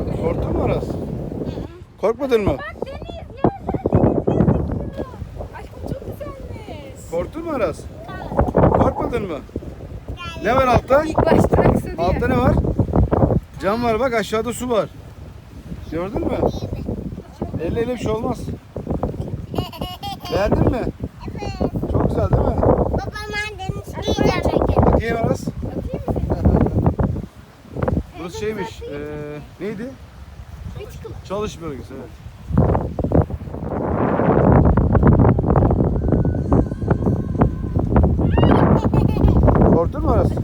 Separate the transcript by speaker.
Speaker 1: Korktun mu Aras? Korkmadın mı?
Speaker 2: Bak deniz ya. Deniz gözüküyor. Aşkım çok güzelmiş.
Speaker 1: Korktun mu Aras? Korkmadın mı? Ne var altta?
Speaker 2: İlk başta aksa diye.
Speaker 1: Altta ne var? Cam var bak, aşağıda su var. Gördün mü? Elle bir şey olmaz. Beğendin mi?
Speaker 3: Evet.
Speaker 1: Çok güzel değil mi?
Speaker 3: Baba ben deniz yiyeceğim.
Speaker 1: Bakayım Aras.
Speaker 2: Atayım mı seni?
Speaker 1: Burası şeymiş. Neydi?
Speaker 2: Beach Club.
Speaker 1: Çalış bölgesi, evet. Korktun mu Aras?